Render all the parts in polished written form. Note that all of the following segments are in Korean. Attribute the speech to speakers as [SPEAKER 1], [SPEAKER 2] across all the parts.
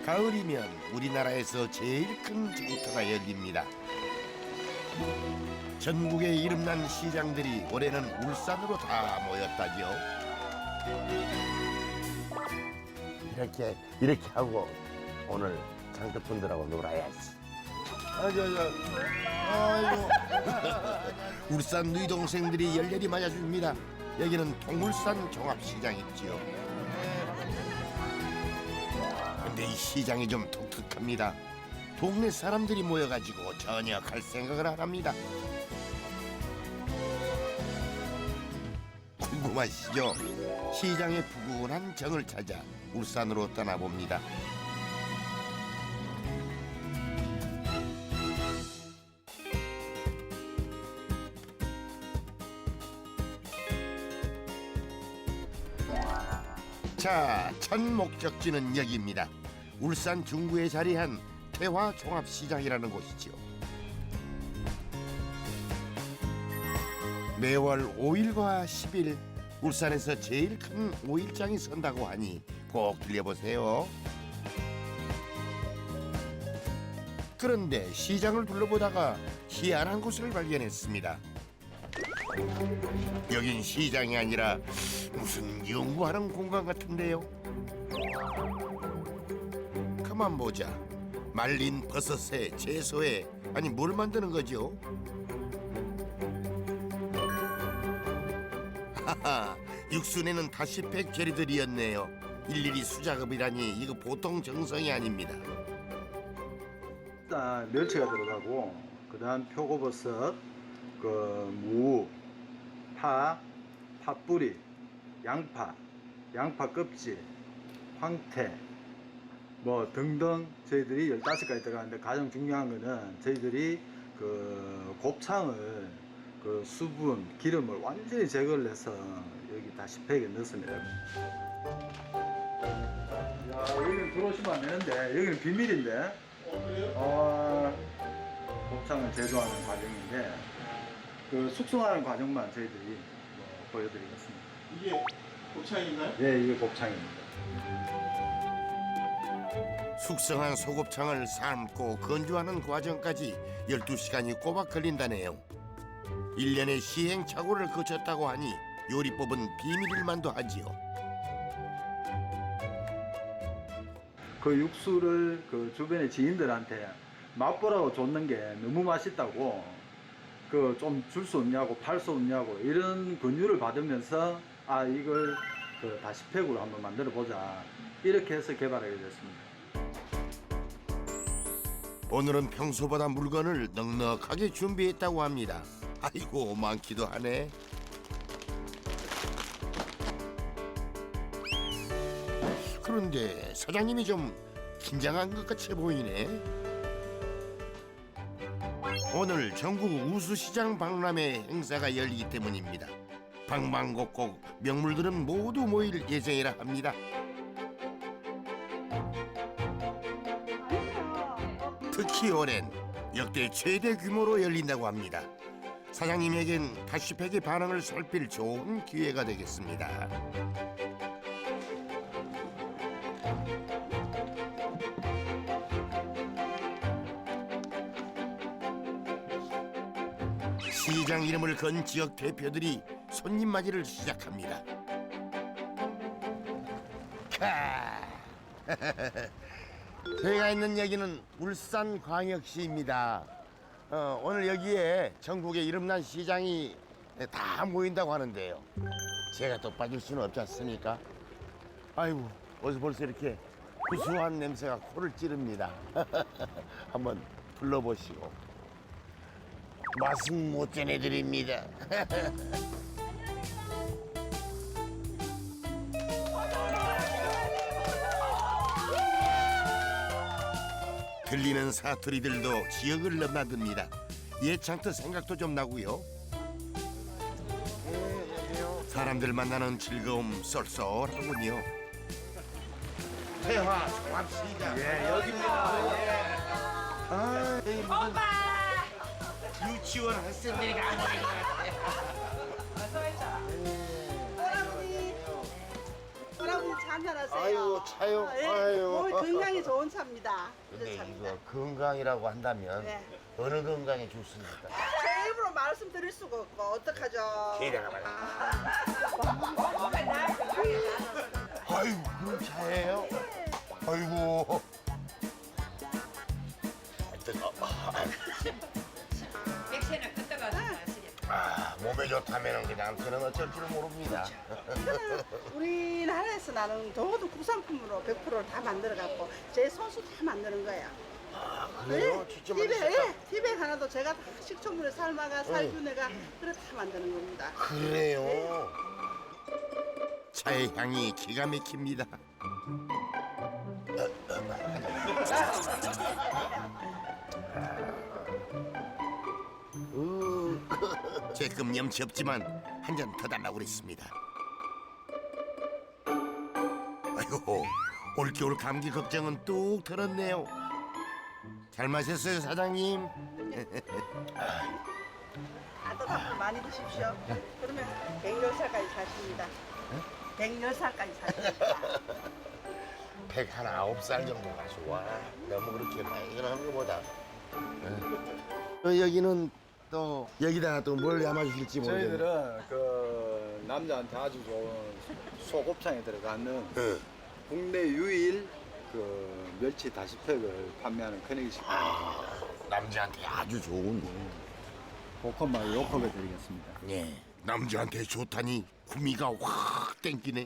[SPEAKER 1] 가을이면 우리나라에서 제일 큰 장터가 열립니다. 전국에 이름난 시장들이 올해는 울산으로 다 모였다죠. 이렇게 하고 오늘 장터분들하고 놀아야지. 아이고. 울산 누이 동생들이 열렬히 맞아줍니다. 여기는 통울산 종합시장이지요. 근데 이 시장이 좀 독특합니다. 동네 사람들이 모여가지고 전혀 갈 생각을 안 합니다. 궁금하시죠? 시장의 푸근한 정을 찾아 울산으로 떠나봅니다. 자, 첫 목적지는 여기입니다. 울산 중구에 자리한 태화종합시장이라는 곳이죠. 매월 5일과 10일 울산에서 제일 큰 5일장이 선다고 하니 꼭 들려보세요. 그런데 시장을 둘러보다가 희한한 곳을 발견했습니다. 여긴 시장이 아니라 무슨 연구하는 공간 같은데요. 가만 보자. 말린 버섯에 채소에 아니 뭘 만드는 거죠? 하하, 육순에는 다시팩 재료들이었네요. 일일이 수작업이라니 이거 보통 정성이 아닙니다.
[SPEAKER 2] 일단 멸치가 들어가고 그다음 표고버섯, 무, 파, 팥뿌리, 양파 껍질, 황태 뭐 등등 저희들이 15가지 들어가는데 가장 중요한 거는 저희들이 곱창을 수분, 기름을 완전히 제거를 해서 여기 다시팩에 넣습니다. 야, 여기는 들어오시면 안 되는데 여기는 비밀인데. 곱창을 제조하는 과정인데 숙성하는 과정만 저희들이 보여드리겠습니다.
[SPEAKER 3] 이게 곱창인가요?
[SPEAKER 2] 네, 이게 곱창입니다.
[SPEAKER 1] 숙성한 소곱창을 삶고 건조하는 과정까지 12시간이 꼬박 걸린다네요. 1년의 시행착오를 거쳤다고 하니 요리법은 비밀일 만도 하지요.
[SPEAKER 2] 그 육수를 주변의 지인들한테 맛보라고 줬는 게 너무 맛있다고 좀 줄 수 없냐고 팔 수 없냐고 이런 권유를 받으면서 이걸 다시팩으로 한번 만들어 보자 이렇게 해서 개발하게 됐습니다.
[SPEAKER 1] 오늘은 평소보다 물건을 넉넉하게 준비했다고 합니다. 아이고 많기도 하네. 그런데 사장님이 좀 긴장한 것 같이 보이네. 오늘 전국 우수시장 박람회 행사가 열리기 때문입니다. 방방곡곡 명물들은 모두 모일 예정이라 합니다. 특히 올해는 역대 최대 규모로 열린다고 합니다. 사장님에겐 다시팩의 반응을 살필 좋은 기회가 되겠습니다. 시장 이름을 건 지역 대표들이 손님 맞이를 시작합니다. 제가 있는 여기는 울산광역시입니다. 오늘 여기에 전국에 이름난 시장이 다 모인다고 하는데요. 제가 또 빠질 수는 없지 않습니까? 아이고, 벌써 이렇게 구수한 냄새가 코를 찌릅니다. 한번 불러보시고. 맛은 못 전해드립니다. 들리는 사투리들도 지역을 넘나듭니다. 옛 장터 생각도 좀 나고요. 사람들 만나는 즐거움 쏠쏠하군요. 태화 종합시장.
[SPEAKER 3] 예, 여기입니다.
[SPEAKER 1] 예.
[SPEAKER 4] 오빠!
[SPEAKER 1] 유치원 학생들이 가버린 것 같아요.
[SPEAKER 4] 어서 오자. 할아버지. 할아버지 한잔하세요.
[SPEAKER 1] 아이고, 차요?
[SPEAKER 4] 예,
[SPEAKER 1] 아유.
[SPEAKER 4] 몸에 건강에 좋은 차입니다.
[SPEAKER 1] 근데
[SPEAKER 4] 이런 차입니다.
[SPEAKER 1] 이거 건강이라고 한다면
[SPEAKER 4] 네.
[SPEAKER 1] 어느 건강에 좋습니까?
[SPEAKER 4] 제 입으로 말씀드릴 수가 없고 어떡하죠?
[SPEAKER 1] 기대가 많아. 아이고, 그런 차예요? 아이고.
[SPEAKER 5] 백세나 끄떡아 마시겠다.
[SPEAKER 1] 몸에 좋다면 그냥 저는 어쩔 줄 모릅니다.
[SPEAKER 4] 이거는 우리나라에서 나는 모든 국산품으로 100%를 다 만들어갖고 제 손수 다 만드는 거야.
[SPEAKER 1] 그래요? 직접 만드셨다?
[SPEAKER 4] 예, 티백 하나도 제가 다 식초물에 삶아가 살균해가 그래 다 만드는 겁니다.
[SPEAKER 1] 그래요? 차의 향이 기가 막힙니다. 제금 염치 없지만 한 잔 더 달라고 그랬습니다. 아이고, 올겨울 감기 걱정은 뚝 털었네요. 잘 마셨어요, 사장님?
[SPEAKER 4] 따뜻한 많이 드십시오. 그러면 110살까지 사십니다. 110살까지 사십니다.
[SPEAKER 1] 109살 정도가 좋아. 너무 그렇게 나이는 것보다. 여기는 또 여기다가 또 뭘 담아주실지 모르겠네.
[SPEAKER 2] 저희들은 그 남자한테 아주 좋은 소곱창에 들어가는
[SPEAKER 1] 네.
[SPEAKER 2] 국내 유일 그 멸치 다시팩을 판매하는 커넥식입니다.
[SPEAKER 1] 남자한테 아주 좋은.
[SPEAKER 2] 볶음밥 요컵에 드리겠습니다.
[SPEAKER 1] 예. 남자한테 좋다니 구미가 확 땡기네.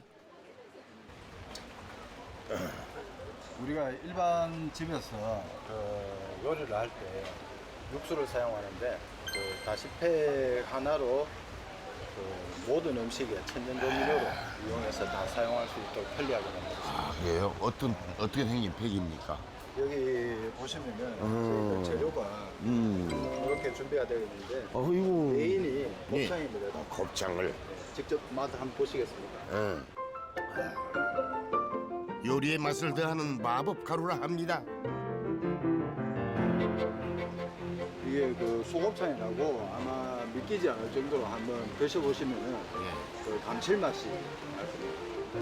[SPEAKER 2] 우리가 일반 집에서 그 요리를 할 때 육수를 사용하는데 그 다시팩 하나로 그 모든 음식에 천연조미료로 이용해서 다 사용할 수 있도록 편리하게 만들었습니다.
[SPEAKER 1] 아, 그래요? 어떻게 생긴 팩입니까?
[SPEAKER 2] 여기 보시면은 저희가 재료가 이렇게 준비가 되어 있는데
[SPEAKER 1] 어이구.
[SPEAKER 2] 메인이 곱창입니다.
[SPEAKER 1] 곱창을.
[SPEAKER 2] 직접 맛 한번 보시겠습니까?
[SPEAKER 1] 응. 요리의 맛을 더하는 마법 가루라 합니다.
[SPEAKER 2] 이게 그 소곱창이라고 아마 믿기지 않을 정도로 한번 드셔보시면은
[SPEAKER 1] 예.
[SPEAKER 2] 그 감칠맛이 나습니다.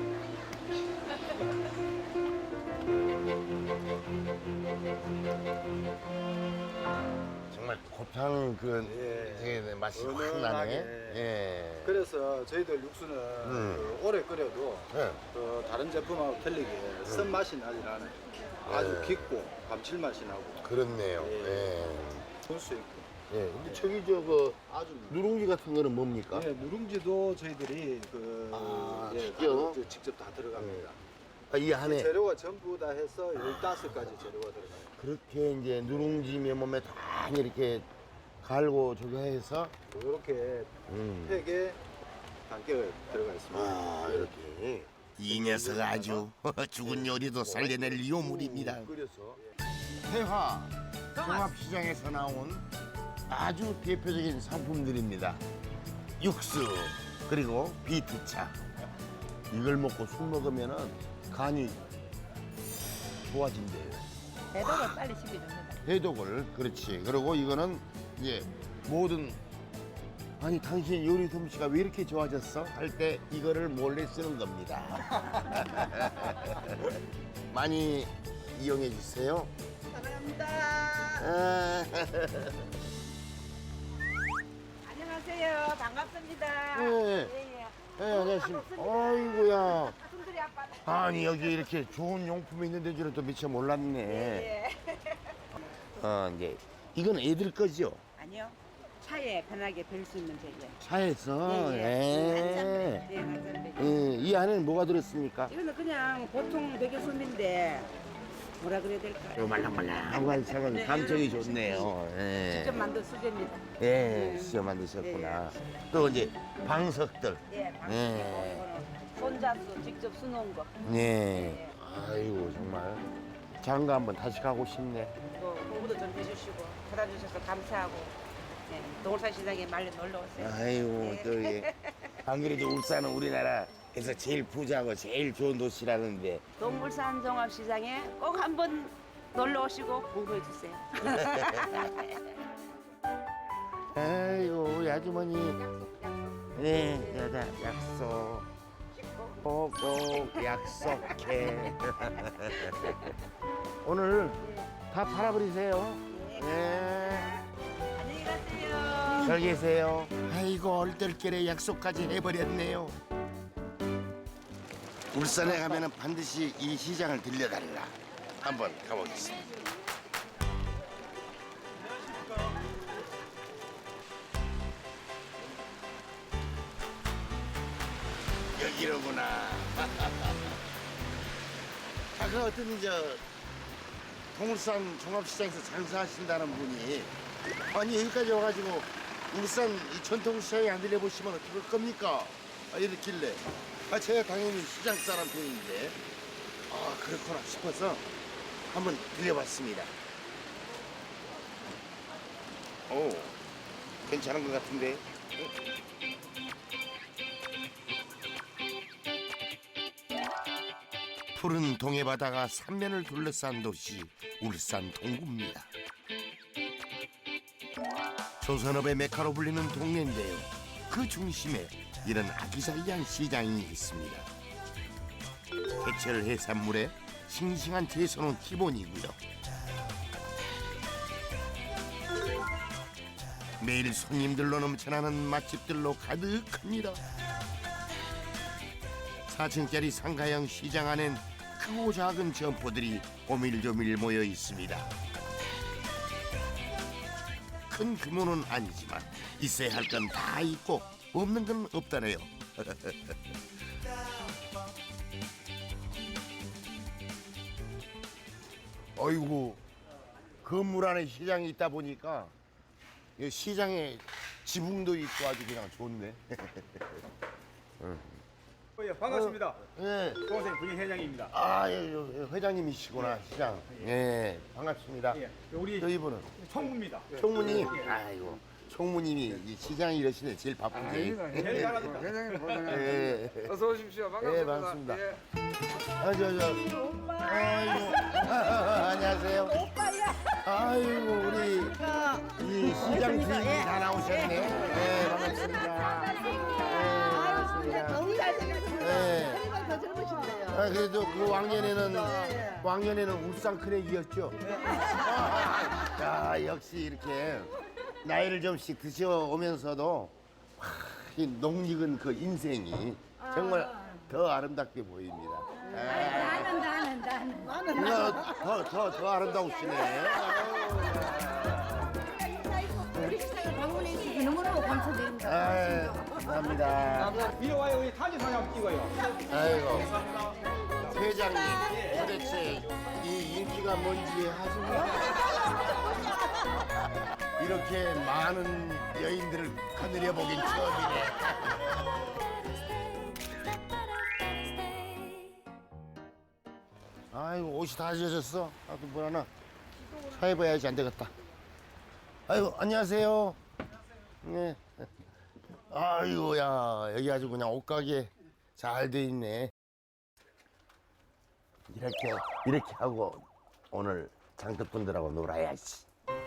[SPEAKER 1] 정말 곱창 그
[SPEAKER 2] 예.
[SPEAKER 1] 되게 맛이 확
[SPEAKER 2] 은은하게.
[SPEAKER 1] 나네. 예.
[SPEAKER 2] 그래서 저희들 육수는 그 오래 끓여도
[SPEAKER 1] 예.
[SPEAKER 2] 그 다른 제품하고 틀리게 쓴맛이 나지 않아요. 아주
[SPEAKER 1] 예.
[SPEAKER 2] 깊고 감칠맛이 나고
[SPEAKER 1] 그렇네요.
[SPEAKER 2] 예.
[SPEAKER 1] 예.
[SPEAKER 2] 볼 수 있고.
[SPEAKER 1] 예. 근데 저기 저거
[SPEAKER 2] 아주
[SPEAKER 1] 누룽지 같은 거는 뭡니까?
[SPEAKER 2] 예, 누룽지도 저희들이 그
[SPEAKER 1] 아,
[SPEAKER 2] 예,
[SPEAKER 1] 직접?
[SPEAKER 2] 직접 다 들어갑니다.
[SPEAKER 1] 아, 이 안에
[SPEAKER 2] 재료가 전부 다 해서 15가지 재료가 들어가요.
[SPEAKER 1] 그렇게 이제 누룽지 몸에 다 이렇게 갈고 저기 해서
[SPEAKER 2] 이렇게 팩에 단계가 들어가 있습니다.
[SPEAKER 1] 아 이렇게 이 녀석 아주 죽은 요리도 살려낼 요물입니다.
[SPEAKER 2] 끓여서
[SPEAKER 1] 태화 종합시장에서 나온 아주 대표적인 상품들입니다. 육수 그리고 비트차 이걸 먹고 술 먹으면은 간이 좋아진대요.
[SPEAKER 5] 배도가 빨리 식혀줍니다.
[SPEAKER 1] 해독을 그렇지. 그리고 이거는 이제 모든 아니 당신 요리 솜씨가 왜 이렇게 좋아졌어? 할 때 이거를 몰래 쓰는 겁니다. 많이 이용해 주세요.
[SPEAKER 4] 사랑합니다.
[SPEAKER 1] 아,
[SPEAKER 5] 안녕하세요. 반갑습니다.
[SPEAKER 1] 네.
[SPEAKER 5] 예.
[SPEAKER 1] 네, 안녕하십니까. 아이고야.
[SPEAKER 5] 순들이 아빠.
[SPEAKER 1] 아니 여기 이렇게 좋은 용품이 있는 줄은 또 미처 몰랐네.
[SPEAKER 5] 예.
[SPEAKER 1] 이제 이건 애들 거죠?
[SPEAKER 5] 아니요. 차에 편하게 별 수 있는 베개.
[SPEAKER 1] 차에서.
[SPEAKER 5] 예. 한잔 베개.
[SPEAKER 1] 이 안에는 뭐가 들었습니까?
[SPEAKER 5] 이거는 그냥 보통 베개 숨인데 뭐라 그래야 될까요?
[SPEAKER 1] 말랑말랑한 차는
[SPEAKER 5] 네.
[SPEAKER 1] 감정이 좋네요. 예.
[SPEAKER 5] 직접 만든 수제입니다.
[SPEAKER 1] 예, 수저 만드셨구나. 또 이제 방석들.
[SPEAKER 5] 예. 방식이고
[SPEAKER 1] 예.
[SPEAKER 5] 이거는 손잡수 직접 수놓은 거.
[SPEAKER 1] 예. 아이고 정말 장가 한번 다시 가고 싶네.
[SPEAKER 5] 또 홍보도 좀 해주시고 찾아주셔서 감사하고. 네. 동울산 시장에 말려 놀러 오세요.
[SPEAKER 1] 아이고
[SPEAKER 5] 예.
[SPEAKER 1] 또 예. 안 그래도 울산은 우리나라에서 제일 부자고 제일 좋은 도시라는데
[SPEAKER 5] 동물산 종합시장에 꼭 한번 놀러 오시고 공부해 주세요.
[SPEAKER 1] 아이고 우리 아주머니
[SPEAKER 5] 약속, 약속.
[SPEAKER 1] 네, 야다 약속.
[SPEAKER 5] 씻고
[SPEAKER 1] 꼭 약속해. 오늘 다 팔아버리세요. 네.
[SPEAKER 5] 안녕히 가세요.
[SPEAKER 1] 잘 계세요. 아이고 얼떨결에 약속까지 해버렸네요. 울산에 가면은 반드시 이 시장을 들려달라. 한번 가보겠습니다. 여기로구나. 아까 어떤 동울산 종합시장에서 장사하신다는 분이 아니 여기까지 와가지고 울산 이 전통시장에 안 들려보시면 어떡할 겁니까? 이랬길래 제가 당연히 시장 사람 편인데 그렇구나 싶어서 한번 들려봤습니다. 오 괜찮은 것 같은데. 푸른 동해바다가 삼면을 둘러싼 도시 울산 동구입니다. 조선업의 메카로 불리는 동네인데요. 그 중심에 이런 아기자기한 시장이 있습니다. 제철 해산물에 싱싱한 채소는 기본이고요. 매일 손님들로 넘쳐나는 맛집들로 가득합니다. 4층짜리 상가형 시장 안엔 크고 작은 점포들이 오밀조밀 모여 있습니다. 큰 규모는 아니지만 있어야 할 건 다 있고 없는 건 없다네요. 어이구 건물 안에 시장이 있다 보니까 이 시장에 지붕도 있고 아주 그냥 좋네.
[SPEAKER 3] 반갑습니다.
[SPEAKER 1] 예.
[SPEAKER 3] 동생 분회장입니다.
[SPEAKER 1] 회장님이시구나 시장. 예, 반갑습니다.
[SPEAKER 3] 예, 우리
[SPEAKER 1] 저희분은
[SPEAKER 3] 총무입니다.
[SPEAKER 1] 총무님. 아이고 총무님이 이 시장 일하시네 제일 바쁜데.
[SPEAKER 3] 제일 잘하니까.
[SPEAKER 6] 회장님 고생하셨습니다.
[SPEAKER 1] 예.
[SPEAKER 6] 어서 오십시오. 반갑습니다.
[SPEAKER 1] 예, 반갑습니다.
[SPEAKER 6] 예.
[SPEAKER 1] 아이고 안녕하세요.
[SPEAKER 4] 오빠야.
[SPEAKER 1] 아이고 우리 이 시장 주인이 다 나오셨네. 예, 반갑습니다. 예, 반갑습니다.
[SPEAKER 4] 너무 잘생겼어요.
[SPEAKER 1] 예.
[SPEAKER 4] 정말 더 젊으신데요.
[SPEAKER 1] 그래도 그 왕년에는 울산 크랙이었죠. 야, 역시 이렇게 나이를 좀씩 드셔오면서도 이 녹익은 그 인생이 정말 더 아름답게 보입니다. 더 아름다우시네.
[SPEAKER 7] 우리 식당에 방문해 주셔서 너무너무 감사드립니다.
[SPEAKER 1] 아유, 감사합니다.
[SPEAKER 3] 이리 와요. 우리 타지 사진 한번 찍어요.
[SPEAKER 1] 아이고, 회장님, 도대체 이 인기가 뭔지 아십니까? 이렇게 많은 여인들을 거느려 보긴 처음이네. 아이고, 옷이 다 젖었어. 또 뭘 하나 사입어야지 안 되겠다. 아이고, 안녕하세요. 네. 아이고, 야, 여기 아주 그냥 옷가게 잘 돼 있네. 이렇게 하고 오늘 장터분들하고 놀아야지.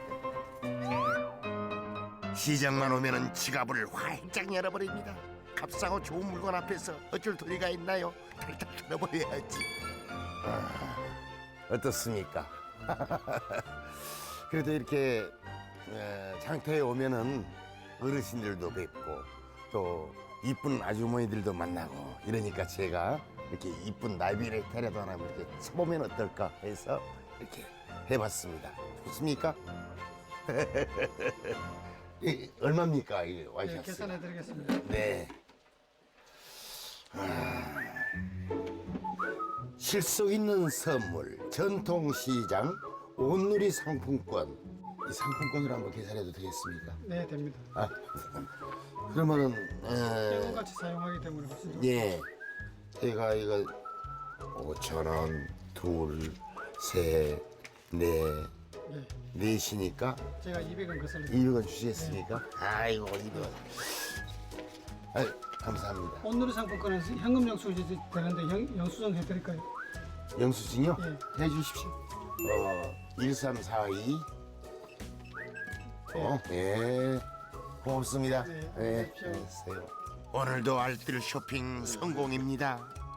[SPEAKER 1] 시장만 오면은 지갑을 활짝 열어버립니다. 값싸고 좋은 물건 앞에서 어쩔 도리가 있나요? 탈탈 털어버려야지. 어떻습니까? 그래도 이렇게 장터에 오면은 어르신들도 뵙고 또 이쁜 아주머니들도 만나고 이러니까 제가 이렇게 이쁜 나비를 데려다 하나 이렇게 쳐보면 어떨까 해서 이렇게 해봤습니다. 좋습니까? 얼마입니까? 이 와이셔츠?
[SPEAKER 6] 계산해드리겠습니다.
[SPEAKER 1] 네. 실속 있는 선물, 전통시장, 온누리 상품권. 이 상품권으로 한번 계산해도 되겠습니까?
[SPEAKER 6] 네, 됩니다.
[SPEAKER 1] 그러면은
[SPEAKER 6] 같이 사용하기 때문에 훨씬
[SPEAKER 1] 예, 제가 이거 5,000원, 둘, 셋, 넷, 넷이니까
[SPEAKER 6] 제가 200원 거슬러
[SPEAKER 1] 200원 주시겠습니까? 아이고 200원. 아유, 감사합니다.
[SPEAKER 6] 온누리 상품권은 현금 영수증이 되는데 영수증 해드릴까요?
[SPEAKER 1] 영수증이요? 해주십시오. 1342. 예. 고맙습니다.
[SPEAKER 6] 네,
[SPEAKER 1] 예. 안녕하세요. 오늘도 알뜰 쇼핑 성공입니다.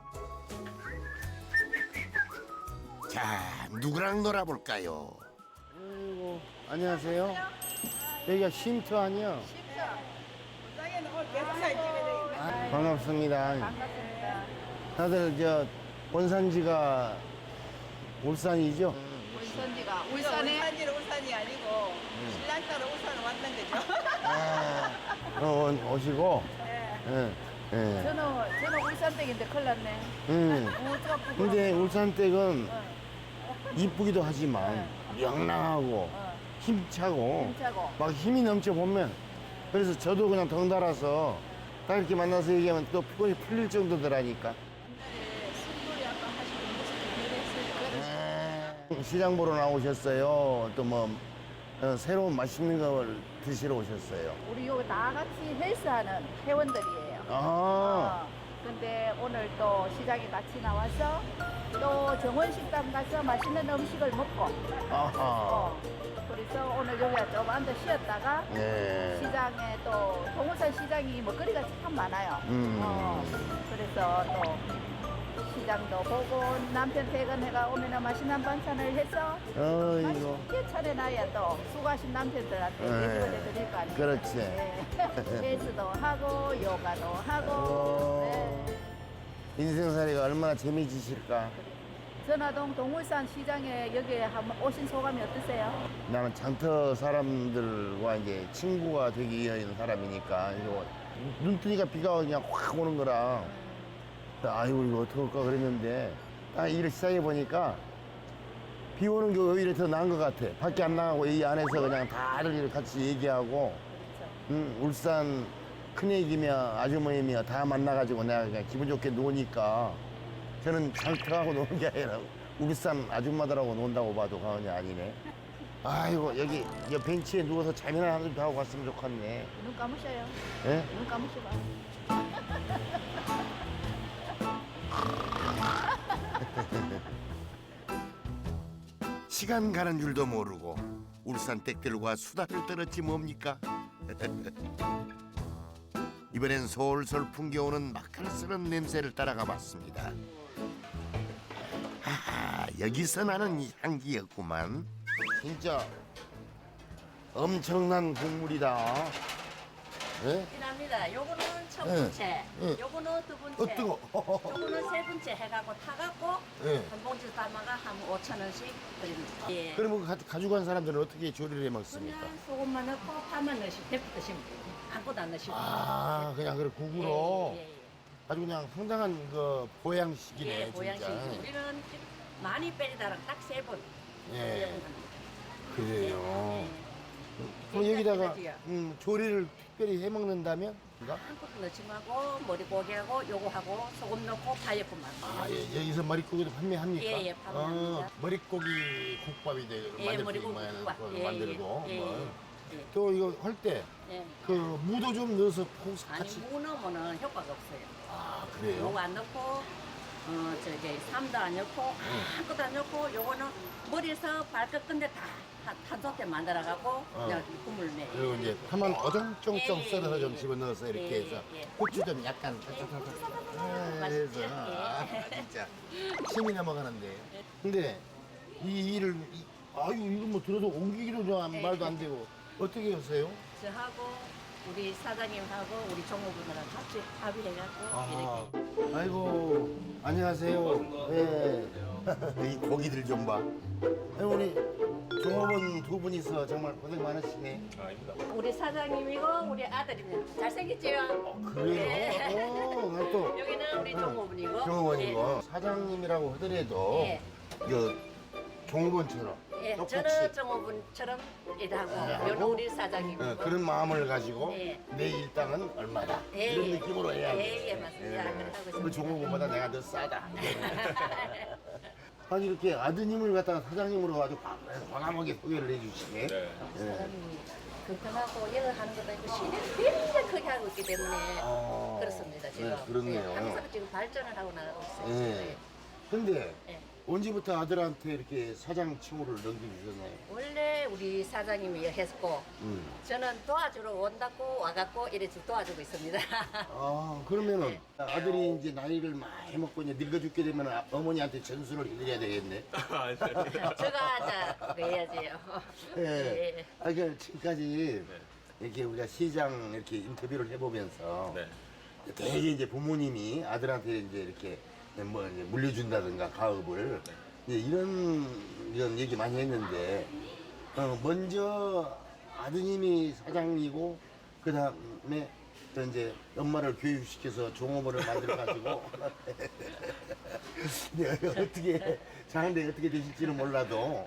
[SPEAKER 1] 자, 누구랑 놀아볼까요? 안녕하세요. 여기가 쉼터 아니야?
[SPEAKER 4] 부장에는 오늘 계속 사진 찍어야 되겠네.
[SPEAKER 1] 반갑습니다.
[SPEAKER 4] 반갑습니다.
[SPEAKER 1] 다들 저 본산지가 울산이죠?
[SPEAKER 4] 울산지가 울산이 아니고 신랑 따라 울산을 왔는 거죠.
[SPEAKER 1] 오시고.
[SPEAKER 4] 네.
[SPEAKER 1] 예.
[SPEAKER 7] 저는 울산댁인데 큰일 났네.
[SPEAKER 1] 근데 울산댁은 이쁘기도 하지만 명랑하고 힘차고
[SPEAKER 7] 힘차고.
[SPEAKER 1] 막 힘이 넘쳐 보면 그래서 저도 그냥 덩달아서 딱 이렇게 만나서 얘기하면 또 피곤이 풀릴 정도더라니까.
[SPEAKER 7] 술놀이 아까 하시는 모습이 그랬어요.
[SPEAKER 1] 시장 보러 나오셨어요. 또 뭐 새로운 맛있는 걸 드시러 오셨어요.
[SPEAKER 7] 우리 여기 다 같이 헬스하는 회원들이에요.
[SPEAKER 1] 아,
[SPEAKER 7] 근데 오늘 또 시장에 같이 나와서 또 정원식당 가서 맛있는 음식을 먹고
[SPEAKER 1] 아하.
[SPEAKER 7] 그래서 오늘 여기 좀 앉아 쉬었다가
[SPEAKER 1] 네.
[SPEAKER 7] 시장에 또 동호산 시장이 먹거리가 참 많아요. 그래서 또 시장도 보고 남편 퇴근해가 오면은 맛있는 반찬을 해서
[SPEAKER 1] 어이구.
[SPEAKER 7] 맛있게 차려놔야 또 수고하신 남편들한테
[SPEAKER 1] 네.
[SPEAKER 7] 대접을 해드릴 거 아니에요.
[SPEAKER 1] 그렇지.
[SPEAKER 7] 네. 헬스도 하고 요가도 하고 네.
[SPEAKER 1] 인생살이가 얼마나 재미지실까.
[SPEAKER 7] 전화동 동울산 시장에 여기에 한번 오신 소감이 어떠세요?
[SPEAKER 1] 나는 장터 사람들과 이제 친구가 되기 위한 사람이니까 이거 눈 뜨니까 비가 그냥 확 오는 거라 아이고 이거 어떡할까 그랬는데 딱 일을 시작해 보니까 비 오는 게 오히려 더 나은 것 같아. 밖에 안 나가고 이 안에서 그냥 다들 이렇게 같이 얘기하고 울산 큰애기며 아주머니며 다 만나가지고 내가 그냥 기분 좋게 노니까 저는 장터하고 노는 게 아니라 울산 아줌마들하고 논다고 봐도 과언이 아니네. 아이고 여기 벤치에 누워서 잠이나 한 좀 하고 갔으면 좋겠네.
[SPEAKER 7] 눈 감으셔요.
[SPEAKER 1] 예?
[SPEAKER 7] 눈 감으셔봐.
[SPEAKER 1] 시간 가는 줄도 모르고 울산 댁들과 수다를 떨었지 뭡니까? 이번엔 솔솔 풍겨오는 맛깔스러운 냄새를 따라가 봤습니다. 하하, 여기서 나는 이 향기였구만. 진짜 엄청난 국물이다. 예?
[SPEAKER 8] 합니다. 요거는 첫 번째, 요거는 두 번째,
[SPEAKER 1] 뜨거.
[SPEAKER 8] 요거는 세 번째 해갖고 타갖고
[SPEAKER 1] 예.
[SPEAKER 8] 한 봉지 담아가 한 5,000원씩 드립니다. 예.
[SPEAKER 1] 그러면 가지고 간 사람들은 어떻게 조리를 해 먹습니까?
[SPEAKER 8] 그냥 소금만 넣고 파만 넣으시고 대포 드시면 돼요. 아무것도 안 넣으시고.
[SPEAKER 1] 아, 그냥 그래 국으로.
[SPEAKER 8] 예, 예, 예.
[SPEAKER 1] 아주 그냥 상당한 그 보양식이네,
[SPEAKER 8] 예,
[SPEAKER 1] 진짜.
[SPEAKER 8] 보양식. 우리는 많이 빼리다랑 딱 세 번.
[SPEAKER 1] 예. 그래요.
[SPEAKER 8] 예.
[SPEAKER 1] 그럼 여기다가
[SPEAKER 8] 괜찮지요?
[SPEAKER 1] 조리를 특별히 해 먹는다면?
[SPEAKER 8] 아무것도 넣지 말고 머리고기하고 요거하고 소금 넣고 파였구만.
[SPEAKER 1] 아, 예, 여기서 머릿고기도 판매합니까?
[SPEAKER 8] 예, 예, 판매합니다.
[SPEAKER 1] 머릿고기 국밥이
[SPEAKER 8] 예,
[SPEAKER 1] 만들 수
[SPEAKER 8] 머리고기
[SPEAKER 1] 있는
[SPEAKER 8] 국밥.
[SPEAKER 1] 그걸
[SPEAKER 8] 예,
[SPEAKER 1] 만들고.
[SPEAKER 8] 예,
[SPEAKER 1] 뭐.
[SPEAKER 8] 예.
[SPEAKER 1] 또 이거 할 때 그
[SPEAKER 8] 예.
[SPEAKER 1] 무도 좀 넣어서 푹
[SPEAKER 8] 아니
[SPEAKER 1] 같이.
[SPEAKER 8] 무 넣으면 효과가 없어요.
[SPEAKER 1] 아, 그래요?
[SPEAKER 8] 요거 안 넣고 저기 삼도 안 넣고 아무것도 안 넣고 요거는 머리에서 발끝 끝에 다 한 소태 만들어 갖고 그냥 국물 내.
[SPEAKER 1] 그리고 이제 파만 어정쩡쩡
[SPEAKER 8] 예, 예,
[SPEAKER 1] 썰어서
[SPEAKER 8] 예,
[SPEAKER 1] 좀
[SPEAKER 8] 예.
[SPEAKER 1] 집어넣어서 이렇게
[SPEAKER 8] 예,
[SPEAKER 1] 해서
[SPEAKER 8] 예.
[SPEAKER 1] 고추 좀 약간
[SPEAKER 8] 맛있죠?
[SPEAKER 1] 해서 아,
[SPEAKER 8] 예.
[SPEAKER 1] 진짜 침이 넘어가는데. 근데 이 일을 아유 이거 뭐 들어도 옮기기도 좀 말도 안 되고 어떻게 하세요?
[SPEAKER 8] 저하고 우리 사장님하고 우리 종업원들랑 같이 합의해갖고
[SPEAKER 1] 아하.
[SPEAKER 8] 이렇게.
[SPEAKER 1] 아이고 안녕하세요. 예. 이 고기들 좀 봐. 아이고, 우리 종업원 두 분이서 정말 고생 많으시네.
[SPEAKER 8] 우리 사장님이고 우리 아들입니다. 잘생겼지요?
[SPEAKER 1] 그래요? 난 또
[SPEAKER 8] 여기는 우리 종업원이고.
[SPEAKER 1] 종업원이고 사장님이라고 하더라도
[SPEAKER 8] 예.
[SPEAKER 1] 그 종업원처럼
[SPEAKER 8] 예,
[SPEAKER 1] 똑같이
[SPEAKER 8] 저는 종업원처럼 일하고 여는 우리 사장님이고.
[SPEAKER 1] 그런 마음을 가지고
[SPEAKER 8] 예.
[SPEAKER 1] 내 일당은 얼마다
[SPEAKER 8] 예,
[SPEAKER 1] 이런
[SPEAKER 8] 예.
[SPEAKER 1] 느낌으로 해야 돼.
[SPEAKER 8] 예, 예, 맞습니다. 그렇게 하고
[SPEAKER 1] 그
[SPEAKER 8] 있습니다.
[SPEAKER 1] 종업원보다 내가 더 싸다. 아니 이렇게 아드님을 갖다가 사장님으로 아주 과감하게 소개를 해주시네.
[SPEAKER 8] 사장님이 불편하고 여러 하는 것도 있고 시대를 굉장히 크게 하고 있기 때문에 그렇습니다 지금.
[SPEAKER 1] 네, 그렇네요.
[SPEAKER 8] 예, 항상 지금 발전을 하고 나가고 있어요.
[SPEAKER 1] 예. 근데
[SPEAKER 8] 예.
[SPEAKER 1] 언제부터 아들한테 이렇게 사장 칭호를 넘기셨나요?
[SPEAKER 8] 원래 우리 사장님이 했고 저는 도와주러 온다고 와갖고 이렇게 도와주고 있습니다.
[SPEAKER 1] 아, 그러면은 아들이 이제 나이를 많이 먹고 이제 늙어 죽게 되면 어머니한테 전수를 해드려야 되겠네.
[SPEAKER 8] 제가 그래야지요.
[SPEAKER 1] 예.
[SPEAKER 8] 예.
[SPEAKER 1] 아, 그 지금까지 이렇게 우리가 시장 이렇게 인터뷰를 해보면서 되게 이제 부모님이 아들한테 이제 이렇게 뭐 이제 물려준다든가 가업을 이제 이런 얘기 많이 했는데 먼저 아드님이 사장이고 그 다음에 또 이제 엄마를 교육시켜서 종업원을 만들어가지고 근데 어떻게 장한데 어떻게 되실지는 몰라도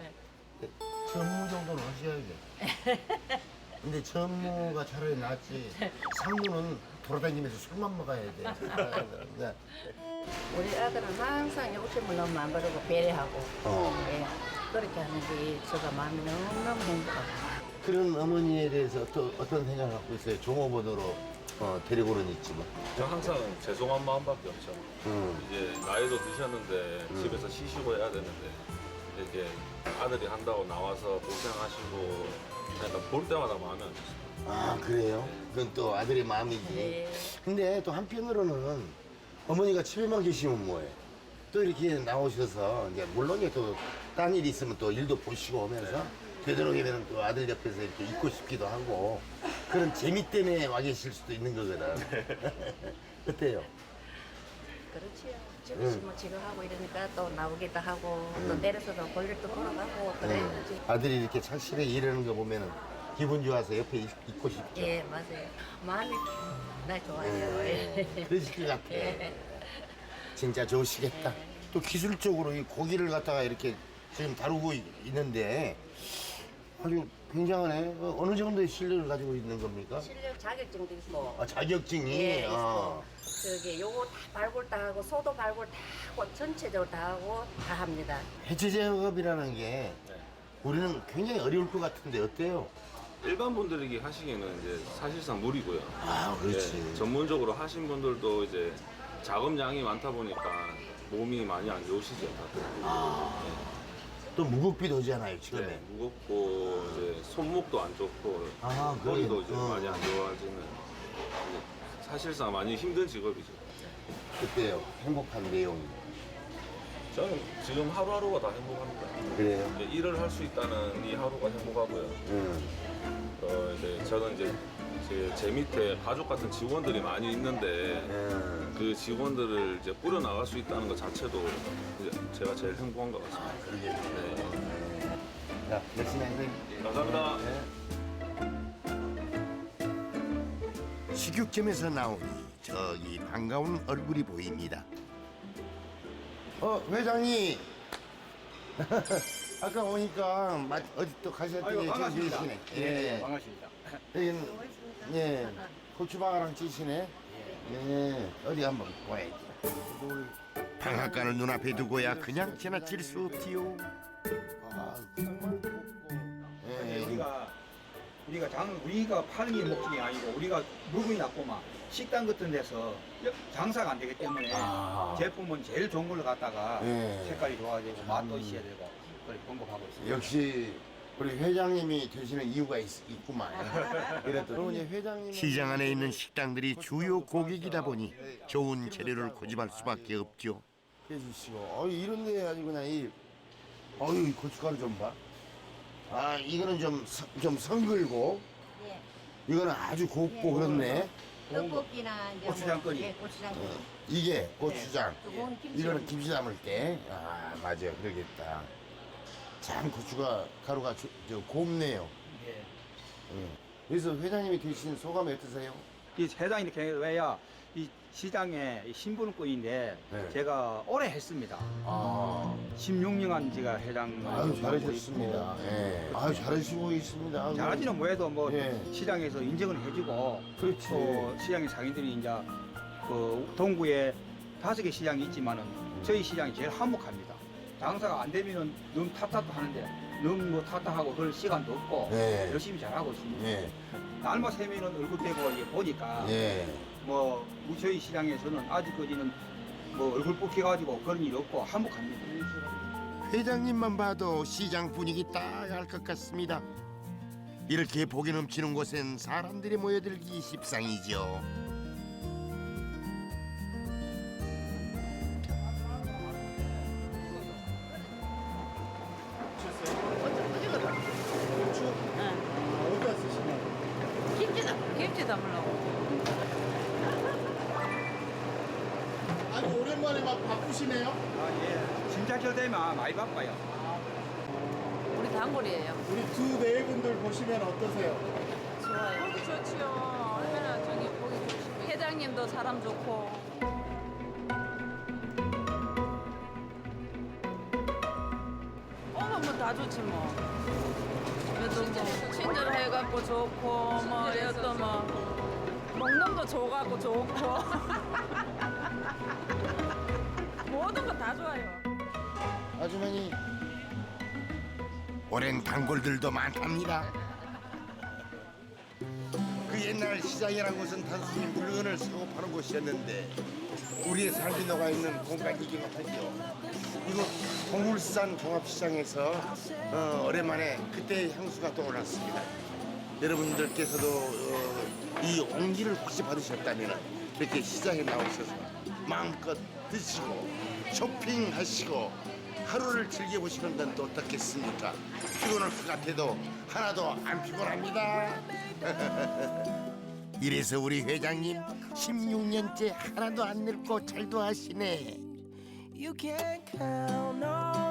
[SPEAKER 1] 전무 정도는 하셔야 돼. 근데 전무가 차라리 낫지. 상무는 돌아다니면서 술만 먹어야 돼. 그러니까
[SPEAKER 8] 우리 아들은 항상 욕심을 너무 안 부리고 배려하고 예. 그렇게 하는 게 제가 마음이 너무너무 행복하고.
[SPEAKER 1] 그런 어머니에 대해서 또 어떤 생각을 갖고 있어요? 종업원으로 데리고는 있지만.
[SPEAKER 9] 저 항상 죄송한 마음밖에 없죠. 이제 나이도 드셨는데 집에서 쉬시고 해야 되는데 이렇게 아들이 한다고 나와서 고생하시고 그러니까 볼 때마다 마음이 안 좋습니다.
[SPEAKER 1] 아, 그래요? 그건 또 아들의 마음이지.
[SPEAKER 8] 네.
[SPEAKER 1] 근데 또 한편으로는 어머니가 집에만 계시면 뭐해? 또 이렇게 나오셔서 이제 물론 또 딴 일이 있으면 또 일도 보시고 오면서 되도록이면 또 아들 옆에서 이렇게 있고 싶기도 하고 그런 재미 때문에 와 계실 수도 있는 거거든. 어때요?
[SPEAKER 8] 그렇지요. 집에서 뭐 지금 하고 이러니까 또 나오기도 하고 또 내려서도 볼일도 보러 가고 그래야지.
[SPEAKER 1] 아들이 이렇게 착실하게 일하는 거 보면은 기분 좋아서 옆에 있고 싶죠.
[SPEAKER 8] 예, 맞아요. 마음이 나 좋아요.
[SPEAKER 1] 예, 그러실 것 같아.
[SPEAKER 8] 예.
[SPEAKER 1] 진짜 좋으시겠다. 또 기술적으로 이 고기를 갖다가 이렇게 지금 다루고 있는데 아주 굉장하네. 어느 정도의 실력을 가지고 있는 겁니까?
[SPEAKER 8] 실력 자격증도 있고.
[SPEAKER 1] 아, 자격증이.
[SPEAKER 8] 예,
[SPEAKER 1] 아.
[SPEAKER 8] 있고. 저기 요거 다 발굴 다 하고 소도 발굴 다 하고 전체적으로 다 하고 다 합니다.
[SPEAKER 1] 해체 작업이라는 게 우리는 굉장히 어려울 것 같은데 어때요?
[SPEAKER 9] 일반 분들이 하시기에는 이제 사실상 무리고요.
[SPEAKER 1] 아, 그렇지.
[SPEAKER 9] 예, 전문적으로 하신 분들도 이제 작업량이 많다 보니까 몸이 많이 안 좋으시죠, 다들.
[SPEAKER 1] 또 무겁기도 하잖아요, 처음에.
[SPEAKER 9] 네, 무겁고 이제 손목도 안 좋고
[SPEAKER 1] 아,
[SPEAKER 9] 머리도
[SPEAKER 1] 그래요?
[SPEAKER 9] 이제 많이 안 좋아지는 이제 사실상 많이 힘든 직업이죠.
[SPEAKER 1] 그때요. 행복한 내용이.
[SPEAKER 9] 저는 지금 하루하루가 다 행복합니다.
[SPEAKER 1] 그래요?
[SPEAKER 9] 이제 일을 할 수 있다는 이 하루가 행복하고요. 이제 저는 이제 제 밑에 가족 같은 직원들이 많이 있는데 그 직원들을 이제 꾸려 나갈 수 있다는 것 자체도 이제 제가 제일 행복한 것 같습니다. 네.
[SPEAKER 1] 자, 열심히 하세요.
[SPEAKER 9] 감사합니다.
[SPEAKER 1] 식육점에서 나오니 저기 반가운 얼굴이 보입니다. 회장님. 아까 오니까 어디 또 가셨더니
[SPEAKER 3] 아이고, 반갑습니다.
[SPEAKER 1] 계시네.
[SPEAKER 3] 예, 반갑습니다.
[SPEAKER 1] 여기는 고추방아랑 찌시네. 예, 어디 한번 봐야지. 방앗간을 눈앞에 두고야 그냥 지나칠 수 없지요. 아, 정말 곱고.
[SPEAKER 3] 우리가 파는 게 목적이 아니고 우리가 물건이 낮고만 식당 같은 데서 장사가 안 되기 때문에 제품은 제일 좋은 걸로 갖다가
[SPEAKER 1] 예.
[SPEAKER 3] 색깔이 좋아야 되고 맛도 있어야 되고 그렇게 공급하고 있습니다.
[SPEAKER 1] 역시 우리 회장님이 되시는 이유가 있구만. 그랬더니 회장님 시장 안에 있는 식당들이 주요 고객이다 보니 좋은 재료를 고집할 수밖에 없죠. 해주시고, 이런데 아주 그냥 이 고춧가루 좀 봐. 아, 이거는 좀 성글고,
[SPEAKER 7] 예.
[SPEAKER 1] 이거는 아주 곱고 그렇네.
[SPEAKER 7] 떡볶이나 이제
[SPEAKER 3] 고추장거리.
[SPEAKER 7] 예, 고추장거리.
[SPEAKER 1] 이게 고추장.
[SPEAKER 7] 두꺼운 김치.
[SPEAKER 1] 이거는 김치 담을 때. 아, 맞아요. 그러겠다. 참 고추가 가루가 곱네요.
[SPEAKER 3] 예.
[SPEAKER 1] 그래서 회장님이 되신 소감이 어떠세요?
[SPEAKER 3] 이 회장이 이렇게 왜야 이 시장에 신분권인데
[SPEAKER 1] 네.
[SPEAKER 3] 제가 오래 했습니다.
[SPEAKER 1] 아,
[SPEAKER 3] 16년간 제가 회장을
[SPEAKER 1] 아유,
[SPEAKER 3] 하고
[SPEAKER 1] 잘하셨습니다.
[SPEAKER 3] 있고
[SPEAKER 1] 예. 아유, 잘하시고 있습니다.
[SPEAKER 3] 잘하지는 뭐해도 뭐
[SPEAKER 1] 예.
[SPEAKER 3] 시장에서 인정을 해주고
[SPEAKER 1] 그렇지.
[SPEAKER 3] 또 시장의 상인들이 이제 그 동구에 5개 시장이 있지만은 저희 시장이 제일 한몫합니다. 장사가 안 되면은 너무 탓탓도 하는데 너무 뭐 탓탓하고 그럴 시간도 없고
[SPEAKER 1] 네.
[SPEAKER 3] 열심히 잘하고 있습니다.
[SPEAKER 1] 예.
[SPEAKER 3] 날만 새면은 얼굴 떼고 이게 보니까
[SPEAKER 1] 예.
[SPEAKER 3] 뭐 저희 시장에서는 아직까지는 뭐 얼굴 뽑혀가지고 그런 일 없고 한몫합니다.
[SPEAKER 1] 회장님만 봐도 시장 분위기 딱 알 것 같습니다. 이렇게 복이 넘치는 곳엔 사람들이 모여들기 십상이죠.
[SPEAKER 6] 어디다 쓰시나요?
[SPEAKER 8] 김치 담으려고.
[SPEAKER 6] 아니 오랜만에 막 바쁘시네요.
[SPEAKER 3] 진짜 저 되면 많이 바빠요.
[SPEAKER 8] 우리 단골이에요.
[SPEAKER 6] 우리 두 내분들 보시면 어떠세요?
[SPEAKER 8] 좋아요.
[SPEAKER 10] 보기 좋지요. 얼마나 저기 보기 좋지. 회장님도 사람 좋고. 오면 뭐 다 좋지 뭐. 그래도 뭐 친절해갖고 좋고 뭐 여또 뭐 먹는 거 줘갖고 좋고 모든 거 다 좋아요.
[SPEAKER 1] 아주머니 오랜 단골들도 많답니다. 그 옛날 시장이란 곳은 단순히 물건을 사고 파는 곳이었는데 우리의 삶이 녹아있는 공간이긴 하죠. 이곳 동울산 종합시장에서 오랜만에 그때의 향수가 떠올랐습니다. 여러분들께서도 이 온기를 혹시 받으셨다면 이렇게 시장에 나오셔서 마음껏 드시고 쇼핑하시고 하루를 즐겨보시는 건 또 어떻겠습니까? 피곤할 것 같아도 하나도 안 피곤합니다. 이래서 우리 회장님 16년째 하나도 안 늙고 잘도 하시네.
[SPEAKER 11] You can count on